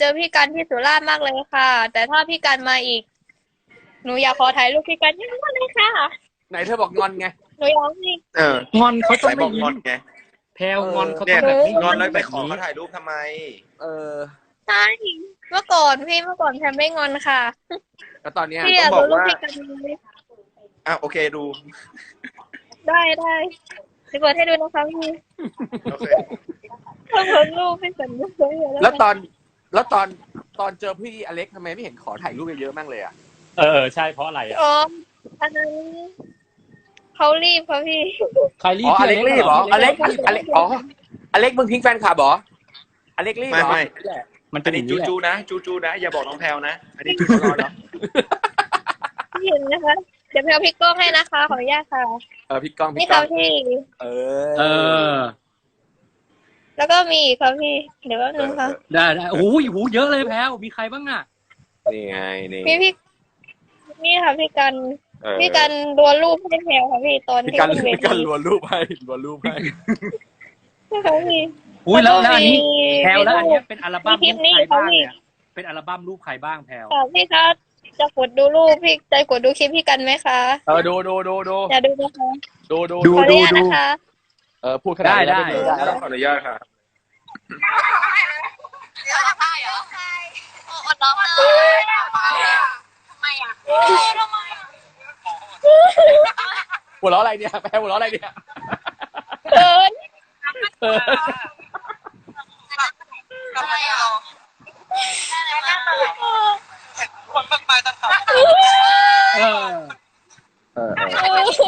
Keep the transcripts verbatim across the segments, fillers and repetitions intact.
เจอพี่กันที่สุราษฎร์มากเลยค่ะ แต่ถ้าพี่กันมาอีกหนูอยากขอถ่ายรูปพี่กันเยอะเลยค่ะไหนเธอบอกงอนไงหนูอยากให้เอองอนเขาต้อสาง ยบไม่อกงยิ้อมนไงแพลวงอนเขาเนี่ต้ยองแบบไม่งอนยิ้มแล้วไปแบบขอนี้เขาถ่ายรูปทำไมเออใช่เมื่อก่อนพี่เมื่อก่อนแพมไม่งอนค่ะแล้วตอนเนี้ยพี่อยากต้องบดูอกรูปว่าพี่กันไหมอ่ะโอเคดูได้ได้จะเปิดให้ดูนะคะพี่โอเคถ้าเปิดรูปพี่กันสวยๆแล้วตอนแล้วตอนตอนเจอพี่อเล็กทำไมไม่เห็นขอถ่ายรูปเยอะๆมั่งเลยอ่ะเออเออใช่เพราะอะไรอ่ะอ๋ออันนั้นเขารีบค่ะพี่ใครรีอ๋บออพี่เล็กรีบเหรออเล็กรีบอเล็กอ๋ออเล็กมึงทิ้งแฟนคลับเหรออเล็กรีบไม่เหรอไม่มันเป็อันนอนี้ย่างจูนี้แหละจูนะจูจูนะอย่าบอกน้องแพลวนะอันนี้จูจูรอเนาะพี่เห็นนะคะเดี๋ยวแพลพลิกกล้องให้นะคะขออนุญาตค่ะเออพี่ก้องนี่พี่ก้ค่ะองพี่เอเอออแล้วก็มีอีกค่ะพี่เดี๋ยวแป๊บนึงค่ะได้ได้โอ้ยโหเยอะเลยแพลวมีใครบ้างอ่ะนี่ไงนี่พี่พี่นี่ค่ะพี่กันเออพี่กันรัวรูปให้แพลค่ะพี่ตอนพี่ที่กันขึ้นเวพี่กัทีนรัวรูปให้รัวรูปให้ใช่ค่ะพี่อุ้ยแล้วแล้วอันนี้มีแพลวแล้วอันมีเนี้ยเป็นอัลบั้มมีคลิรูปปนี้ใครบ้างค่ะพี่เนี่ยเป็นอัลบั้มรูปใครบ้างแพลวค่ะพี่คะจะกดดูรูปพี่จะกดดูคลิปพี่กันไหมคะเออดูดูดูดูอย่าดูนะคะดูดูดูขออนุญาตนะคะเออพูดขนาดนี้ได้แล้วได้ม่ขออนุญาตค่ะหัวเราะอะไรเนี่ยแพ้หัวเราะอะไรเนี่ยเขินเออเออเออโอ้โห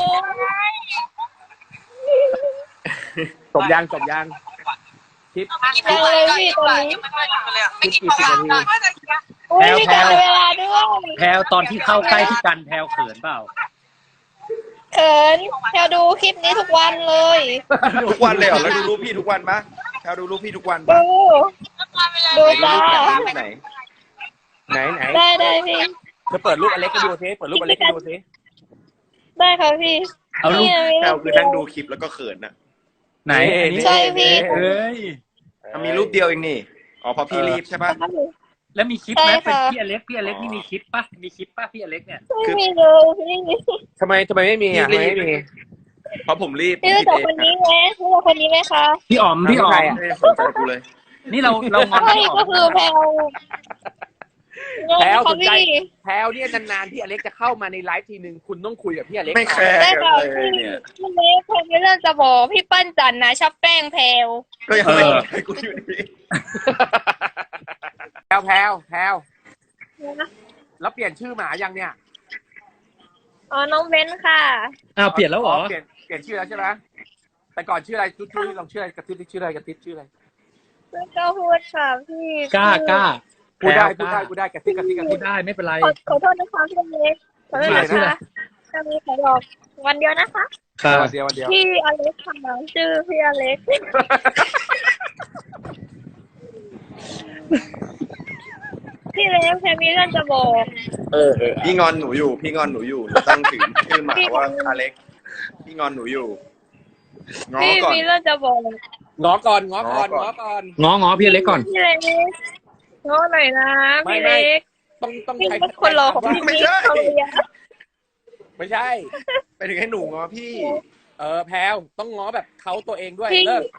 จบยังจบยังคลิปยังเลยพี่ตอนนี้คลิปกี่สิบนาทีโอ้ยพี่กันเวลาด้วยแพลวตอนที่เข้าใกล้พี่กันแพลวเขินเปล่าเขินแพลดูคลิปนี้ทุกวันเลยทุกวันเลยเหรอแล้วดูรูปพี่ทุกวันปะแพลวดูรูปพี่ทุกวันดูปะดูไหนจ้ารูปไหนรูปไหนไหนไหนได้ได้พี่เธอเปิดรูปอเล็กให้ดูซิเปิดรูปอเล็กให้ดูซิได้ค่ะพี่เอารูปนี่แพลวคือนั่งดูคลิปแล้วก็เขินน่ะไหนอันนี้ใช่พี่เอ้ยอ่ะมีรูปเดียวเองนี่อ๋อเพราะพี่รีบใช่ปะแล้วมีคลิปไหมใช่เป็นค่ะพี่อเล็กพี่อเล็กนี่มีคลิปปะมีคลิปปะพี่อเล็กเนี่ยไม่มีเลยพี่ทำไมทำไมไม่มีอ่ะทำไมไม่มีเพราะผมรีบพี่รู้จักคนนี้ไหมรู้จักคนนี้ไหมคะพี่อ๋อมพี่อ๋อใครมอะไม่ได้สนใจกูเลยนี่เราเรางอนใช่พี่อ๋อก็มคือแพลวแพลวสค่ะนใจพี่แพลวเนี่ยนานๆที่อเล็กจะเข้ามาในไลฟ์ทีนึงคุณต้องคุยกับพี่อเล็กไม่แคก่อนร์ได้กันค่ะเลยพี่เนี่ยพี่เล็กแพลมีเรื่องจะบอกพี่ปั้นจันนะชอบแกล้งแพลวก็ยังไม่สนใจกูอยู่ดีแพลวแพลวแพลวแล้วเปลี่ยนชื่อหมายังเนี่ยอ๋อน้องเบนค่ะอ้าวเปลี่ยนแล้วเหรอเปลี่ยนเปลี่ยนชื่อแล้วใช่ไหมแต่ก่อนชื่ออะไรจุ๊ยๆลองชื่ออะไรกระติ๊บชื่ออะไรกระติ๊บชื่ออะไรแล้วก็พูดค่ะพี่กล้ากล้าพูดได้แพพูรดวได้พูดได้กระติ๊บกระติ๊บกระพูติ๊ดบได้ไม่เป็นไรขอขอโทษนะคะพี่เล็กขอโทษนะชื่ออะไรคะจะมีขอบอกวันเดียวนะคะค่ะวันเดียววันเดียวพี่อเล็กค่ะชื่อพี่อเล็กพี่เล็กแพรมีเรื่องจะบอกเออเออพี่งอนหนูอยู่ พี่งอนหนูอยู่หนูตั้งถึงชื่อหมาว่าอเล็ก พี่งอนหนูอยู่ง้อพี่ก่อนมีเรื่องจะบอกง้อก่อนง้อก่อนง้ง้ออก่ก่ออน นง้อง้อพี่อเล็กก่อนพี่เล็กง้อหน่อยนะไม่พี่ไม่เล็กต้องต้องพี่ใช้เป็นคนรอของพี่ไม่มิกใช่เขาเรียนไม่ใช่ไปถึงให้หนูง้อพี่เออแพลวต้องง้อแบบเขาตัวเองด้วยพี่เลิก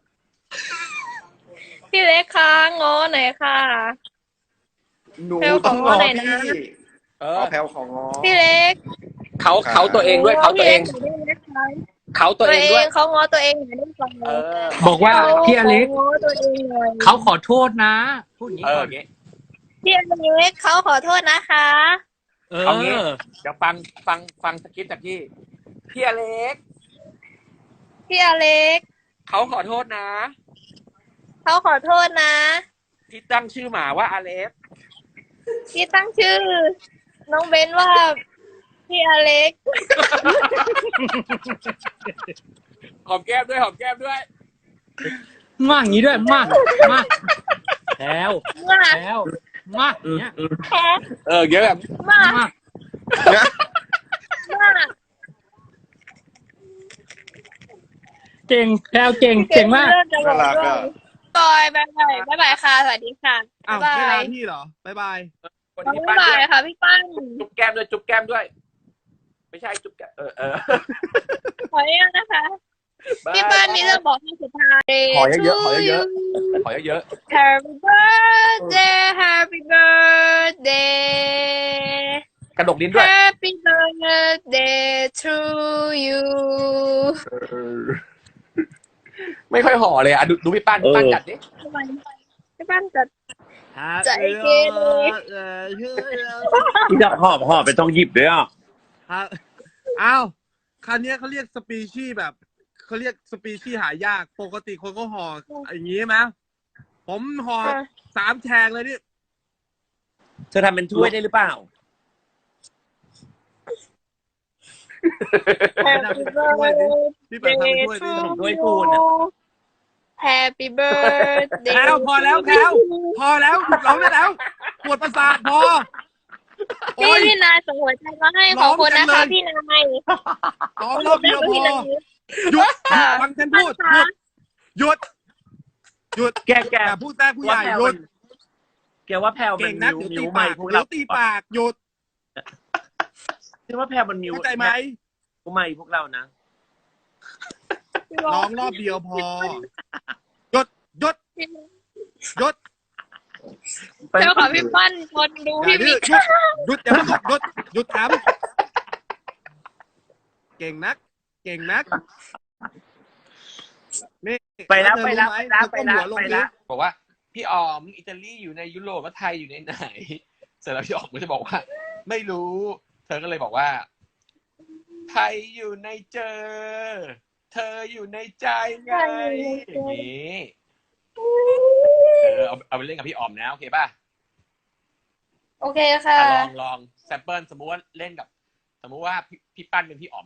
พี่เล็กคะง้อหน่อยค่ะหนูแพลวขอต้องง้อหน่อยนะพี่เอขออแพลวของง้อพี่เล็กเขาเขาตัวเองด้วยเขาตัวเองพี่ล็กหน่อยได้ไหมคะเขาตัวตัวเองเอด้วยงเขาง้อตัวเองหน่อยได้ไหมเออบอกว่าพี่อเล็กขาง้อตัวเองหน่อยเขาขอโทษนะพูดอย่างนี้เออก่ออน ย่างงี้พี่อเล็กเขาขอโทษนะคะเอเอางี้อเดี๋ยวฟังฟังฟังสคริปต์จากพี่พี่อเล็กพี่อเล็กเขาขอโทษนะเขาขอโทษนะที่ตั้งชื่อหมาว่าอเล็กที่ตั้งชื่อ น้องเบนว่าพี่อเล็กหอมแก้มด้วยหอมแก้มด้วยมากอย่างนี้ด้วยมากมากแพลวมากแพลวมากอย่างเงี้ยแพ้เออเงี้ยแบบมากมากมากเก่งแพลวเก่งเก่งมากเรื่องจะบอกน่ารักด้วยอ่ะต่ออยบายบายบายบายค่ะสวัสดีค่ะอ้าวบ๊ายไม่บาลาย พี่เหรอบ๊ายบายวันบ๊านี้ยปั้นบาด้วย ยค่ะพี่ปั้นจุ๊บแก้มด้วยจุ๊บแก้มด้วย ไม่ใช่จุ๊บแก้มเออเออขออนุญาตนะคะ พี่ปั้นมีเรื่องบอกให้สุดท้ายขอเยอะๆขอเยอะๆขอเยอะ Happy birthday Happy birthday ๆกระดกลิ้นด้วย Happy birthday to you ไม่ค่อยห่อเลยอ่ะดูดูพี่ปั้นพี่ปั้นจัดดิทำไมพี่ปั้นจะ ใจเกเรเออชื่อที่จะหอบหอบไปต้องหยิบด้วยอ่ะครับอ้าวคันนี้ยเขาเรียกสปีชีส์แบบเขาเรียกสปีชีส์หายากปกติคนก็ห่ออย่างนี้ไหมผมห่อสามแฉกเลยนี่เธอทำเป็นถ้วยได้หรือเปล่า Happy birthday พี่เปิดทำเป็นถ้วยดิขนมถ้วยปูนอะ Happy birthday แล้วพอแล้วแพลวพอแล้วหยุดร้องได้แล้วปวดประสาทพอพี่โอ้ยพี่นายส่งหัวใจมาให้ขอบคุณนะคะพี่นายร้องรอบเดียวพอหยุดหยุดฟังฉันพูดหยุดหยุดหยุดแกแกอย่าพูดแท้ผู้ใหญ่หยุดแกว่าแพลวมัเก่นงนักมิวเดี๋ยวมิตีวใหม่ปากพวกเดี๋เรายวตีปากหยุดคิดว่าแพลวมันมิวเข้าใจไหมมิวใหม่พวกเรานะร้องรอบเดียวพอหยุดหยุดหยุดเจ้าของพี่ปั้นคนดูอย่าพี่ดื้มิอก หยุดหยุดอย่าหยุดหยุดหยุดถามเก่งนัก เก่งนักนี่ไปแล้วเธอไปแล้วรู้หมไปแล้วเธอก้มหัวลงไปดิแล้วบอกว่าพี่ออมอิตาลีอยู่ในยุโรปแล้วไทยอยู่ในไหนเสร็จแล้วพี่ออมก็จะบอกว่า ไม่รู้ เธอก็เลยบอกว่า ไทยอยู่ในเจอ เธออยู่ในใจไงอย่างนี้เออเอาเอาไปเล่นกับพี่ออมนะโอเคป่ะโอเคค่ะอ่ะลองลองแซมเปิลสมมุติว่าเล่นกับ สมมุติว่าพี่พี่ปั้นเป็นพี่อ๋อม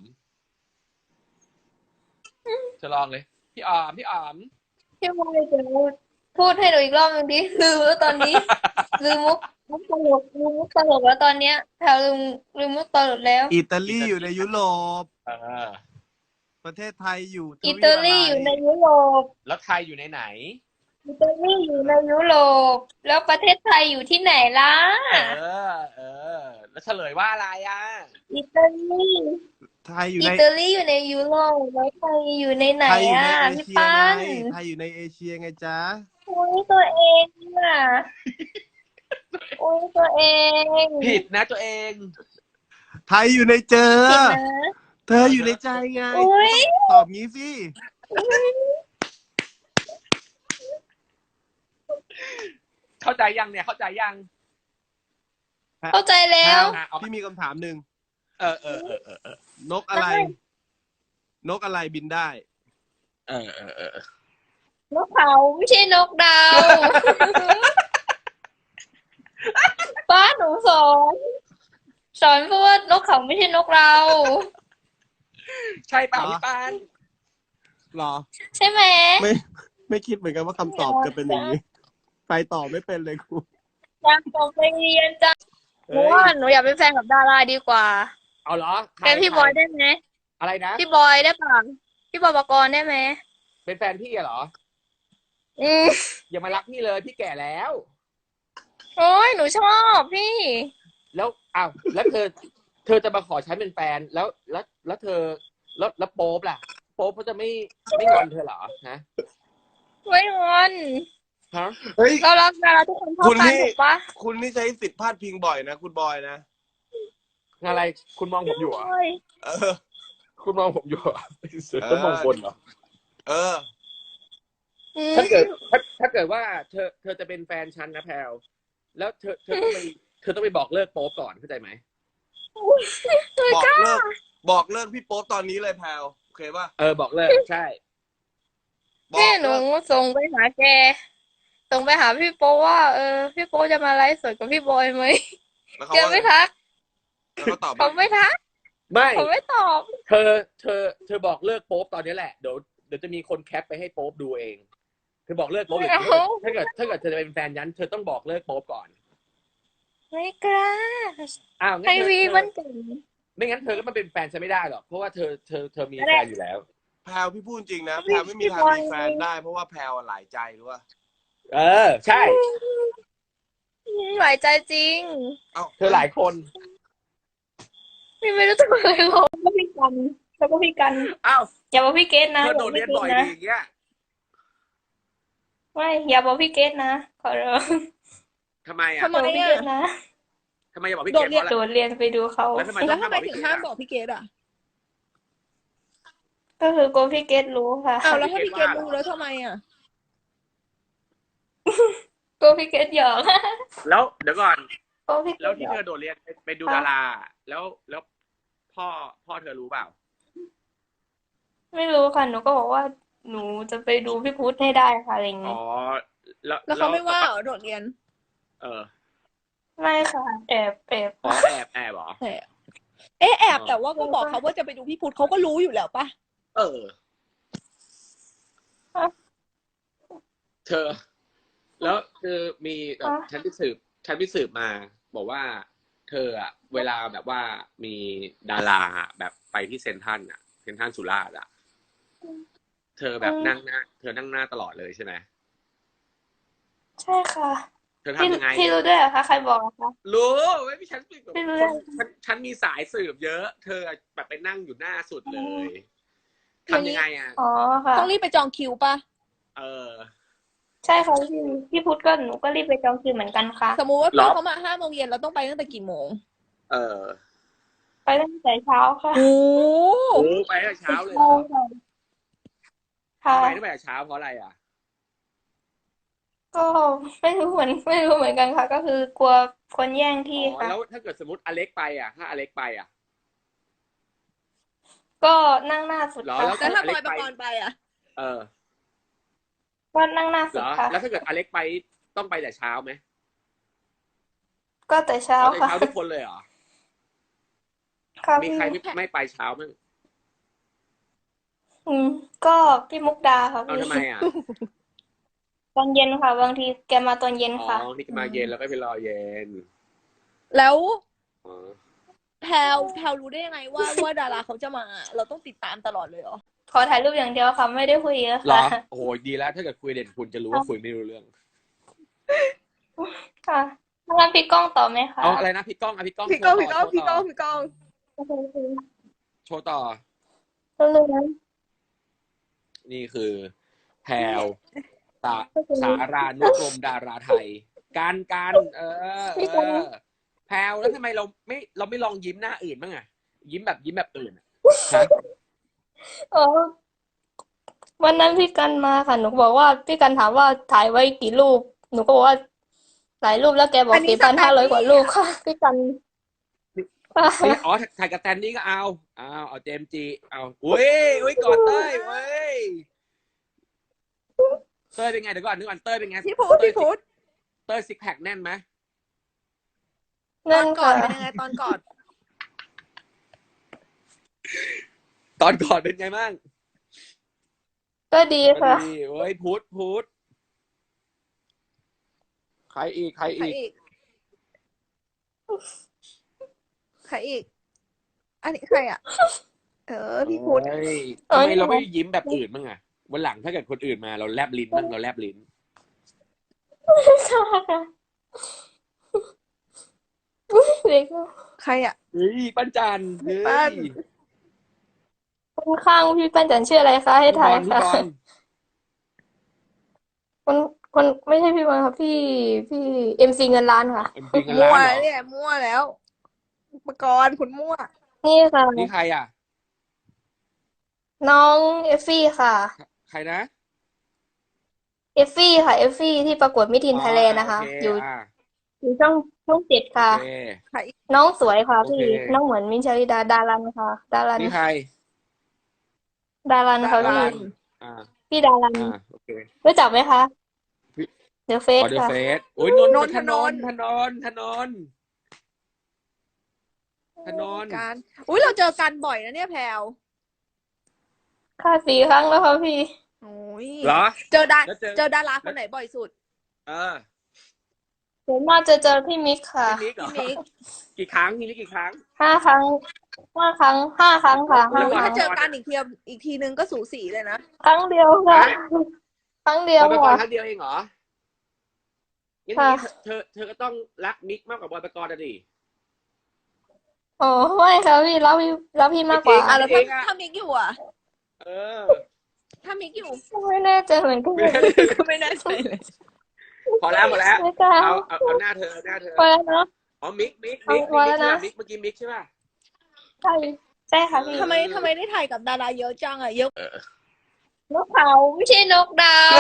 จะลองเลย พี่อ๋อมพี่อ๋อมพี่บอยจะพูดให้หนูอีกรอบหนึงดิลืมแล้วตอนนี้ ลืมมุกมุกตลกลืมมุกตลกแล้วตอนเนี้ยแถวลืมลืมมุกตลกแล้วอิตาลีอยู่ในยุโรปเออประเทศไทยอยู่ทวีปอิตาลีอยู่ในยุโรปแล้วไทยอยู่ในไหนอิตาลีอยู่ในยุโรปแล้วประเทศไทยอยู่ที่ไหนล่ะเออ เออ แล้วเฉลยว่าอะไรอ่ะอิตาลีไทยอยู่อิในตาลีอยู่ในยุโรปแล้วไทยอยู่ในไหนไทยอยู่อ่ะในเอพี่เชียปั้นไงไทยอยู่ในเอเชียไงจ๊ะโอ้ยตัวเองอ่ะโอ้ยตัวเองผิดนะตัวเองไทยอยู่ในเจอผิดนะเธออยู่ในใจไงโอ้ยตอบงี้สิเข้าใจยังเนี่ย เข้าใจยังเข้าใจแล้วอ่ะเอาพี่มีคำถามหนึ่งเออเออเออเออเออนกอะไรได้นกอะไรบินได้เออเออเออนกเขาไม่ใช่นกดาว ป้าหนูสอนสอนเพราะว่านกเขาไม่ใช่นกเราใช่เปล่าเหรอพี่ปั้นหรอใช่ไหมไม่ ไม่คิดเหมือนกันว่าคำตอบจะเป็นอย่างนี้ ไปต่อไม่เป็นเลยครูอยากส่งไปเรียนจังหนูเฮ้ยว่าหนูอยากเป็นแฟนกับดาราดีกว่าเอาเหรอใครเป็นพี่ใครบอยได้ไหมอะไรนะพี่บอยได้ป่ะพี่บอยปกรณ์ได้ไหมเป็นแฟนพี่อะเหรออืมอย่ามารักพี่เลย พี่แก่แล้วโอ้ยหนูชอบพี่แล้วอ้าวแล้วเธอ เธอจะมาขอใช้เป็นแฟน แล้ว แล้ว แล้วเธอ แล้วแล้วโป๊ปล่ะ โป๊ปเขาจะไม่ไม่งอนเธอเหรอ ฮะไม่งอนฮะเฮ้ยเรารักดาราทุกคนเท่าคุณกันนี่ถูกปะคุณนี่ใช้สิทธิ์พาดพิงบ่อยนะ คุณบอยนะอะไร คุณมองผมอยู่เหรอโอ้ยเออคุณมองผมอยู่เหรอเสือต้นมงคลเหรอเอออืมถ้าเกิด ถ้าถ้าเกิดว่าเธอ เธอจะเป็นแฟนฉันนะแพลวแล้วเธอ เธอต้องไป เธอต้องไปบอกเลิกโป๊ปก่อน เข้าใจไหมบอกเลิก บอกเลิกพี่โป๊ปตอนนี้เลยแพลวโอเคป่ะเออ บอกเลิก ใช่บอกแม่หนูเลิกส่งไปหาแก ส่งไปหาพี่โป๊ว่า เออ พี่โป๊จะมาไลฟ์สดกับพี่บอยไหมแล้วเขาแกว่าไม่ทักแล้วเขาตอบเขาว่าไม่ทักไม่เขาไม่ตอบเธอ เธอ เธอบอกเลิกโป๊ปตอนนี้แหละ เดี๋ยว เดี๋ยวจะมีคนแคปไปให้โป๊ปดูเอง เธอบอกเลิกโป๊ปอย่างนี้ถ้าเกิด ถ้าเกิดเธอจะเป็นแฟนยัน เธอต้องบอกเลิกโป๊ปก่อนไม่กล้าอ้าวงั้ให้นเธอวีเธอมันเก่งไม่งั้นเธอก็มาเป็นแฟนฉันไม่ได้หรอก เพราะว่าเธอ เธอ เธอมีแฟนอยู่แล้วแพลวพี่พูดจริงนะแพลวไม่มีทางมีแฟนได้เพราะว่าแพลวหลายใจรู้ป่ะเออ ใช่หลายใจจริงเธอหลายคนพี่ไม่รู้ตัวเลยหรอกก็พี่กันแล้วก็พี่กันอ้าวอย่าบอกพี่เกตนะเธออย่าโดบอดกเรีพี่ยนเกบ่ตอยนะดีอย่างเงี้ยไม่อย่าบอกพี่เกตนะขอร้องทำไมอ่ะทำไมอย่าบอกพี่อ่ะเกตนะทำไมอย่าบอกพี่โดเกดดเรีเพยนราะอะไรโดดเรียนไปดูเขาแล้วทำไมแล้ต้อวงทำห้ามไมบอกถึพี่งเกห้าดมบอ่ะอกพี่เกดอ่ะก็คือกลัวพี่เกตรู้ค่ะอ้าวแล้วถ้าพี่พี่เกเกดดว่ารู้แล้วทำไมอ่ะกลัวพี่เกตหยอกแล้วเดี๋ยวก่อนกลัวพี่เกแล้วตหที่ยอเธกอโดดเรียนไปไปดูดารา แล้วแล้วพ่อพ่อเธอรู้เปล่าไม่รู้ค่ะหนูก็บอกว่าหนูจะไปดูพี่พุทธให้ได้ค่ะอะไรอย่างอ๋งี้อ แล้วแล้วเขาไม่ว่าเหรอโดดเรียนเออไม่ค่ะแอบแอบอ๋อแอบแอบเหรอแต่เอ๊ะแอบอ๋อแต่ว่าก็บอกเขาว่าจะไปดูพี่พุทธเขาก็รู้อยู่แล้วปะเออ เธอ แล้วคือมีแบบฉันไปสืบฉันไปสืบมา บอกว่า เธออะเวลาแบบว่ามีดาราแบบไปที่เซ็นทรัลอะเซ็นทรัลสุราษฎร์อะเธอแบบนั่งหน้า เธอนั่งหน้าตลอดเลยใช่ไหมใช่ค่ะเธอพี่ทำยังไงพี่รู้ด้วยเหรอคะใครบอกอะคะรู้ไม่พี่ฉันแบบไม่รู้คนฉันฉันมีสายสืบเยอะ เธอแบบไปนั่งอยู่หน้าสุดเลยทำยังไงอ่ะอ๋อค่ะต้องรีบไปจองคิวปะเออใช่ค่ะพี่พี่พุทธก็หนูก็รีบไปจองคิวเหมือนกันค่ะสมมุติว่าหรพี่อเขามาห้าโมงเย็นเราต้องไปตั้งแต่กี่โมงเออไปตั้งแต่เช้าค่ะโอ้โอ้ไปตั้งแต่เช้าเลยเหรใช่อค่ะค่ะทำไมต้องไปแต่เช้าเพราะอะไรอ่ะก็ไม่รู้เหมือนไม่รู้เหมือนกันค่ะ ก็คือกลัวคนแย่งอ๋ที่อค่ะแล้วถ้าเกิดสมมติอเล็กไปอ่ะ ถ้าอเล็กไปอ่ะก็นั่งหน้าสุดเหรอค่ะแล้วแล้วถ้าบอยปกรณ์ไปอ่ะเออก็นั่งหน้าเหสุรดอค่ะแล้วถ้าเกิดอเล็กไปต้องไปแต่เช้าไหมก็แต่เช้าเอาแต่ค่ะเช้าทุกคนเลยเหรอค่ะมีพี่ใครไม่ไม่ไปเช้ามั้งอืมก็พี่มุกดาค่ะเอาพี่ทำไมอ่ะตอนเย็นค่ะ บางทีแกมาตอนเย็นอ๋อค่ะนี่ก็มาเย็นแล้วก็ไปรอเย็นแล้วอ๋อแพลวแพลวรู้ได้ยังไงว่าว่าดาราเขาจะมา เราต้องติดตามตลอดเลยเหรอขอถ่ายรูปอย่างเดียวค่ะ ไม่ได้คุยเยอะเหรอค่ะโอ้โหดีแล้ว ถ้าเกิดคุยเด่นคุณจะรู้ว่าคุยไม่รู้เรื่องค่ะงั้นพี่ก้องต่อไหมคะเอาอะไรนะพี่ก้องอ่ะพี่ก้องพี่ก้องโชพี่ว์ก้องต่พี่ก้องพี่ก้องโชว์ต่อก็เลยนะนี่คือแพรวตาสารานุกรมดาราไทย การการเออเออแพรวแล้วทำไมเราไม่เราไม่ลองยิ้มหน้าอื่นบ้างอะยิ้มแบบยิ้มแบบอื่นอะฮะอ๋อวันนั้นพี่กันมาค่ะ หนูบอกว่าพี่กันถามว่าถ่ายไว้กี่รูป หนูก็บอกว่าหลายรูปแล้วแกบอกสี่พันห้าร้อยกว่ารูปค่ะ พี่กันค่ะนี่อ๋อถ่ายกับแตนนี่ก็เอาเอาเอาเจมส์จีเอาอุ้ยอุ้ยกอดเต้ยเว้ยเต้ยเป็นไงเดี๋ยวก่อนนึกก่อนเต้ยเป็นไงพี่พุทธพี่พุทธเต้ยซิกแพคแน่นไหมตนั่อน นก่อค่ะนเป็นยังไงตอนก่อนตอนก่อนเป็นไงบ้างก็ดีก็ค่ะดีเว้ยพุทธพุทธใครอีกใครใครอีกอีก ใครอีก อันนี้ใครอ่ะ เออ พี่พุทธเฮ้ยเอ้ทำยไมเราไม่ยิ้มแบบอื่นบ้างอะวันหลังถ้าเกิดคนอื่นมาเราแลบลิ้นบ้างเราแลบลิ้นเด็กใครอ่ะเฮ้ยปั้นจันเฮ้ปั้นยคนข้างพี่ปั้นจันชื่ออะไรคะให้พี่บถ่าอย ลพี่ค่ะบอลคนคนไม่ใช่พี่บอลค่ะพี่พี่เอ็มซีเงินล้านค่ะเป็นจริงกันมั่ล้าวนเหรอเนี่ยมั่วแล้วอุปกรณ์คุณมั่วนี่ค่ะนี่ใครอ่ะน้องเอฟฟี่ค่ะใครนะเอฟฟี่ค่ะเอฟฟี่ที่ประกวดมิสทีนอ๋อไทยแลนด์นะคะโอเคอยู่อ่ะอยู่ช่องช่องเจ็ดค่ะโอเคใครอีกน้องสวยค่ะโอเคพี่น้องเหมือนมินท์ชลิดาดารันค่ะ ดารันนี่ใครดารันค่ะดาพี่รันอ่าพี่ดารันอ่าโอเครู้จักไหมคะพี่เดอะเฟอสอเดอร์ค่ะเฟสโอ้ยนนนท์นท์ธนนธนนท์ธนนธนนธนนการอุ้ยเราเจอกันบ่อยนะเนี่ยแพลวค่ะสี่ครั้งแล้วค่ะพี่โอ้ยเหรอเจอดาแล้วเจอเจอดาราคนไหนบ่อยสุดเออส่วนมากจะเจอพี่มิกค่ะพี่นิกเหรอพี่มิกกี่ครั้งพี่นิกกี่ครั้งห้าครั้งห้าครั้งห้าครั้งค่ะแล้ห้าวอุ้ยครั้ถ้าง เจอกันอีกทีอีกทีนึงก็สูสีเลยนะครั้งเดียวค่ะ ครั้งเดียวเราไปก่อนค่ะครั้งเดียวเองเหรองั้นค่ะนี้เธอเธอก็ต้องรักมิกมากกว่าบอยปกรณ์อะดิโอ้ไม่ค่ะพี่รักพี่รักพี่มากกว่าอ่ะแล้วเอถ้างอะถ้ามิกอยู่อ่ะเออถ้ามิกอยู่ไม่แน่ใจเหมือนกันก็ไม่แน่ใจเลยพอแล้วพอแล้วไม่กล้าเอาเอาเอาหน้าเธอเอาหน้าเธอพอแล้วเนาะอ๋อมิกมิกเอามิกพอมิแล้กวใช่นะป่ะมิกเมื่อกี้มิกใช่ป่ะใช่ใช่ค่ะพี่ทำไมทำไมได้ถ่ายกับดาราเยอะจังอ่ะเยอะนกเขาไม่ใช่นกดาว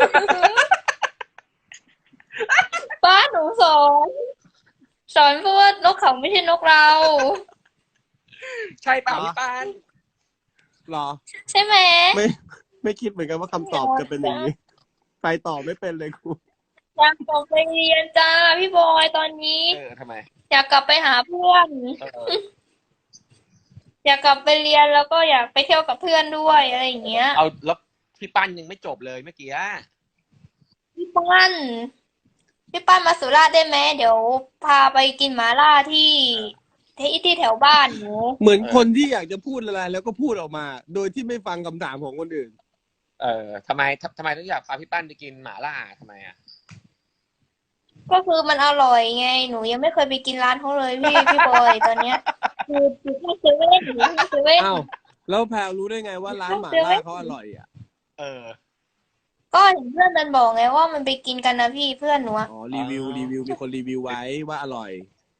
ป้าหนูสอนสอนเพราะว่านกเขาไม่ใช่นกเราใช่เปล่าพี่ปานหรอใช่ไหมไม่ไม่คิดเหมือนกันว่าคำตอบจะเป็นอย่างนี้ ไปต่อไม่เป็นเลยครูอยากกลับไปเรียนจ้าพี่บอยตอนนี้เออทำไมอยากกลับไปหาเพื่อนเอออยากกลับไปเรียนแล้วก็อยากไปเที่ยวกับเพื่อนด้วยอะไรอย่างเงี้ยเอาแล้วพี่ปั้นยังไม่จบเลยเมื่อกี้อะพี่ปั้นพี่ปั้นมาสุราษฎร์ได้ไหมเดี๋ยวพาไปกินหมาล่าที่ที่ที่แถวบ้านหนูเหมือนคนที่อยากจะพูดอะไรแล้วก็พูดออกมา โดยที่ไม่ฟังคำถามของคนอื่นเออทำไมทำทำไมต้องอยากพาพี่ปั้นไปกินหม่าล่าทำไมอ่ะก็คือมันอร่อยไงหนูยังไม่เคยไปกินร้านเขาเลยพี่พี่บอยตอนเนี้ยคืออยู่ที่เซเว่นอยู่ที่เซเว่นอ้าว แล้วแพลรู้ได้ไงว่าร้านหม่าล่าเขาอร่อยอ่ะเออก็เห็นเพื่อนมันบอกไงว่ามันไปกินกันนะพี่เพื่อนหนูอะอ๋อ รีวิว รีวิว มีคนรีวิวไว้ว่าอร่อย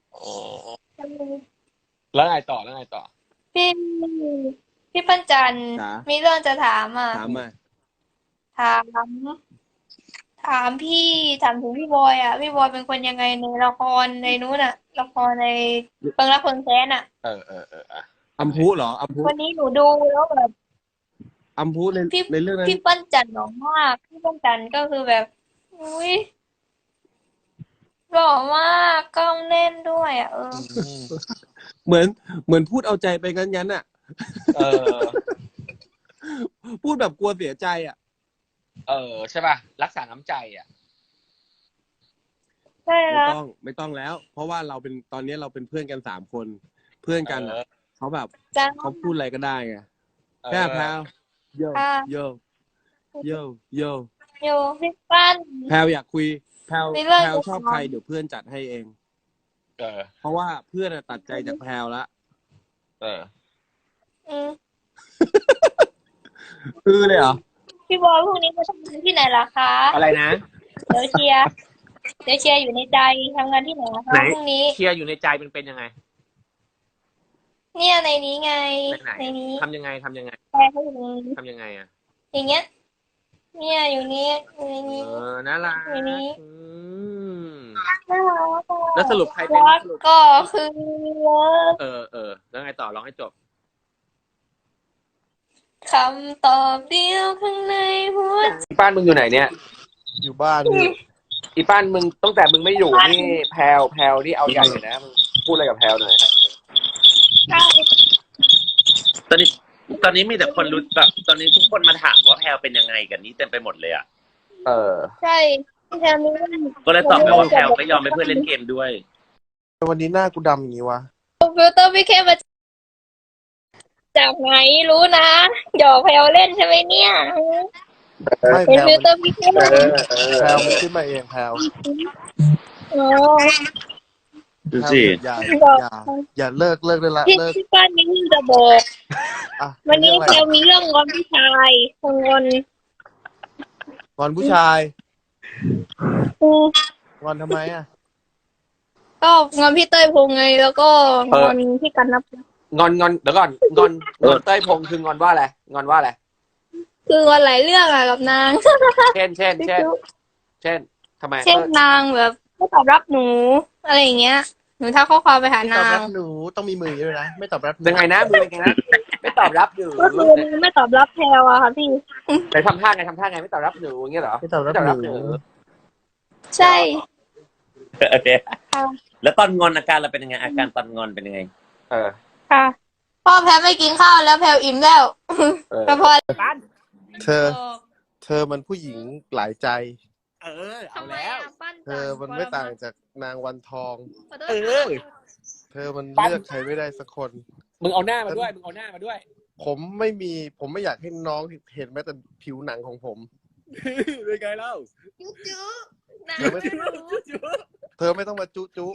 แล้วไงต่อแล้วไงต่อพี่พี่ปั้นจันทร์จ๋ามีเรื่องจะถามอ่ะถามมาถาม ถามพี่ถามถึงพี่บอยอ่ะ พี่บอยเป็นคนยังไงในละครในนู้นอ่ะ ละครในเพิงรักเพิงแค้นอ่ะเออเออเอออ่ะอัมพุเหรอ อัมพุวันนี้หนูดูแล้วแบบอัมพุในพี่ในเรื่องนั้นพี่ปั้นจันทร์หล่อมาก พี่ปั้นจันทร์ก็คือแบบ อุ้ยหล่อมากกล้องแน่นด้วยอ่ะเอออืมเหมือน เหมือนพูดเอาใจไปงั้นงั้นๆอ่ะเออพูดแบบกลัวเสียใจอ่ะเออใช่ป่ะรักษาน้ำใจอ่ะใช่ไม่แล้วต้อง ไม่ต้องแล้ว เพราะว่าเราเป็น ตอนนี้เราเป็นเพื่อนกันสามคน เพื่อนกันเออ่ะอเขาแบบจ้าเขาพูดอะไรก็ได้ไงเอแค่อแพลวโยค่ะโยโยโยอยู่พี่ปั้นแพลวอยากคุย แพลวมีเรื่องแพลวจะชอบถามใครเดี๋ยวเพื่อนจัดให้เองเออเพราะว่าเพื่อนอะตัดใจจากแพลวละเอออืมคือเลยเหรอพี่บอยพรุ่งนี้จะทำงานที่ไหนล่ะคะอะไรนะเดี๋ยวเชียร์เดี๋ยวเชียร์อยู่ในใจทำงานที่ไหนนะคะไหนพรุ่งนี้เชียร์อยู่ในใจเป็นเป็นยังไงเนี่ยในนี้ไงในไหนในนี้ทำยังไงทำยังไงแฟนเขาอยู่ในนี้ทำยังไงอ่ะอย่างเงี้ย เนี่ยอยู่นี้อยู่ในนี้เออน่ารักในนี้อืมน่ารักอะแล้วสรุปใครเป็นรักสรุปก็คือรักเออเออแล้วไงต่อร้องให้จบคำตอบเดียวข้างในหัวใจอีป้านมึงอยู่ไหนเนี่ยอยู่บ้านพี่อีป้านมึงตั้งแต่มึงไม่อยู่นี่แพลวแพลวนี่เอาใหญ่เลยนะมึงพูดอะไรกับแพลวหน่อยตอนนี้ตอนนี้มีแต่คนรู้แบบตอนนี้ทุกคนมาถามว่าแพลวเป็นยังไงกันนี้เต็มไปหมดเลยอ่ะเออใช่ที่แทนนี้ก็เลยตอบไปว่าแพลวก็ยอมให้เพื่อนเล่นเกมด้วยวันนี้หน้ากูดำอย่างนี้วะฟิลเตอร์พี่แค่มาจากไหนรู้นะหยอกแพลวเล่นใช่ไหมเนี่ยไม่เป็นแพลวฟิลเตอร์พี่แค่เออเออแพลวมันขึ้นมาเองแพลวโอ้ดูสิแพลวอย่าอย่าอย่าเลิกเลิกได้ละพี่เลิกพี่ป้านมีเรื่องจะบอกอ่ะวันนี้เรื่องอะไรแพลวมีเรื่องงอนพี่ชายงอนงอนผู้ชายอืมงอนทำไมอ่ะก็งอนพี่เต้ยพงษ์ไง แล้วก็งอนพี่กันนับงอนงอนเดี๋ยวก่อนงอนงอนเต้ยพงษ์คืองอนว่าอะไรงอนว่าอะไรคืองอนหลายเรื่องอะกับนางเช่นเช่นเช่นเช่นทำไมเช่นนางแบบไม่ตอบรับหนู อะไรอย่างเงี้ย หนูทักข้อความไปหาไม่ตอบนารังบหนูต้องมีมืออย่างนี้ด้วยนะ ไม่ตอบรับหนูยังไงนะมึงยังไงนะไม่ตอบรับอยู่ก็คือไม่ตอบรับแพลวอะค่ะพี่ไหนทำท่าไงทำท่าไงไม่ตอบรับหนูอย่างเงี้ยเหรอไม่ตอบรับไม่ตอบรับหหนูนูใช่โอเคค่ะแล้วตอนงอนอาการเราเป็นยังไงอาการตอนงอนเป็นยังไงเออค่ะพ่อแพลไม่กินข้าวแล้วแพลอิ่มแล้วเออแต่พอเธอ เธอมันผู้หญิงหลายใจเออเอาแล้วเธอมันไม่ต่างจากนางวันทองเออเธอมันเลือกใครไม่ได้สักคนมึงเอาหน้ามาด้วยมึงเอาหน้ามาด้วยผมไม่มี ผมไม่อยากให้น้องเห็นแม้แต่ผิวหนังของผมเป็นไงเล่านะเธอไม่ไม่รู้เธอไม่ต้องมาจุจุ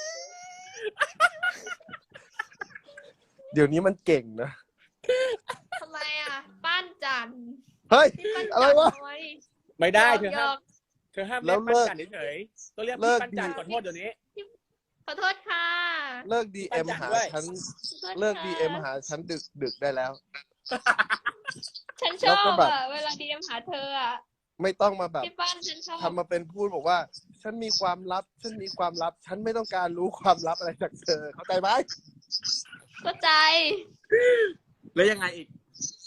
เดี๋ยวนี้มันเก่งนะทำไมอ่ะป้านจันเฮ้ยพี่ปั้นอะไรจันวะน้อยไม่ได้หยเธอกอหยห้ามอกเธอห้ามแล้เรียว กปั้นเลิกจันเฉยๆต้องเรียกเลิพี่กปั้นจันดีขอโทษเดี๋ยวนี้ขอโทษค่ะเลิกดีเอ็มปั้นจันหาด้วยฉันขอโทษเลิกค่ะดีเอ็มหาฉันดึกดึกได้แล้วฉันชแล้วอก็บแบบอ่ะเวลาดีเอ็มหาเธออ่ะไม่ต้องมาแบบพี่ปั้นฉันชอบทำมาเป็นพูดบอกว่า ฉันมีความลับ ฉันมีความลับ ฉันไม่ต้องการรู้ความลับอะไรจากเธอ เข้าใจไหมเข้าใจแล้วยังไงอีก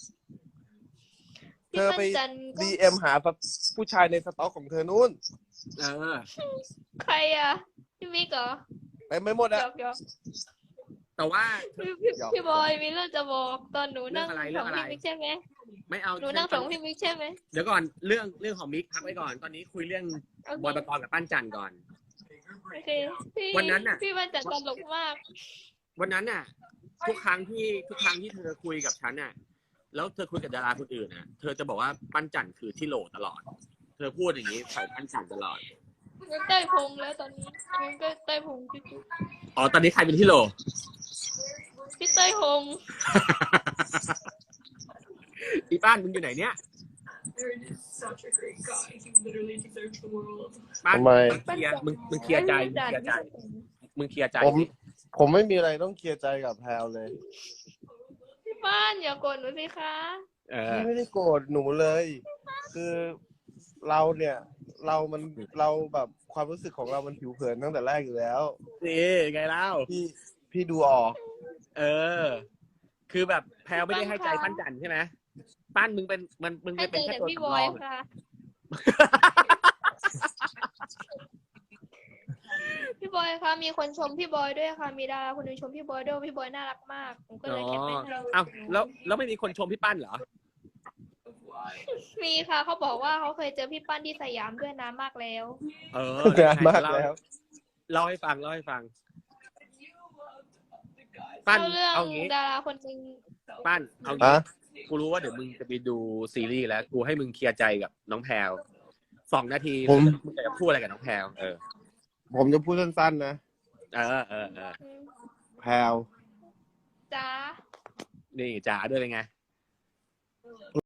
เธอไปพี่ปั้นจันก็ดีเอ็มหาผู้ชายในสต็อกของเธอนู่นเออใครอ่ะพี่มิกเหรอไปไม่หมดหยอะอกหยอกแต่ว่าพี่พี่หยอกพี่บอยมีเรื่องจะบอกตอนหนูนั่งเรื่องอะไรสเรื่ออง งอะไรพี่มิกใช่ไหมไม่เอาหนูนั่งสองพี่มิกใช่ไหมเดี๋ยวก่อนเรื่องเรื่องของมิกพักไว้ก่อนตอนนี้คุยเรื่องโอเคบอยปกรณ์กับปั้นจันก่อนโอเคพี่วันนั้นน่ะพี่ปั้นจันตลกมากวันนั้นน่ะ ทุกครั้งที่ทุกครั้งที่เธอคุยกับฉันน่ะ แล้วเธอคุยกับดาราคนอื่นน่ะ เธอจะบอกว่าปั้นจันคือที่โหลตลอด เธอพูดอย่างนี้ใส่ปั้นจันตลอดมันใต้พุงแล้วตอนนี้มันก็ใต้พุงพี่อ๋อตอนนี้ใครเป็นที่โหลพี่เต้ยพงอีป้านมึงอยู่ไหนเนี่ยป้านทำไมเคลียร์มึงมึงเคลียร์ใจมึงเคลียร์ใจมึงเคลียร์ใจผม ผมไม่มีอะไรต้องเคลียร์ใจกับแพลวเลยพี่ป้านอย่าโกรธหนูสิคะเออพี่ไม่ได้โกรธหนูเลย คือเราเนี่ย เรามันเราแบบความรู้สึกของเรามันผิวเผินตั้งแต่แรกอยู่แล้วนี่ไงเล่าพี่พี่ดูออกเออ คือแบบแพลวไม่ได้ให้ใจปั้นจันใช่ไหมปั้นมึงเป็นมันมึงให้เป็นเจเป็นอแค่แต่ตัวพี่บสำรออย งค่ะ พี่บอยคะมีคนชมพี่บอยด้วยค่ะ มีดาราคนหนึงชมพี่บอยด้วยว่าพี่บอยน่ารักมากผมก็อ๋เลอยแคปไปให้เอ้าแล้วแล้วไม่มีคนชมพี่ปั้นเหรอมีค่ะเขาบอกว่าเขาเคยเจอพี่ปั้นที่สยามด้วยนานมากแล้วเออนานมากแล้วเล่าให้ฟังเล่าให้ฟัง ปั้นเล่าเรื่องเอางี้ดาราคนหนึงปั้นเอางี้ฮะกูรู้ว่าเดี๋ยวมึงจะไปดูซีรีส์แล้ว กูให้มึงเคลียร์ใจกับน้องแพลวสองนาทีผมมึงจะพูดอะไรกับน้องแพลวเออผมจะพูดสั้นๆนะเออเออเอออืมแพลวจ้านี่จ๋าด้วยเป็นไง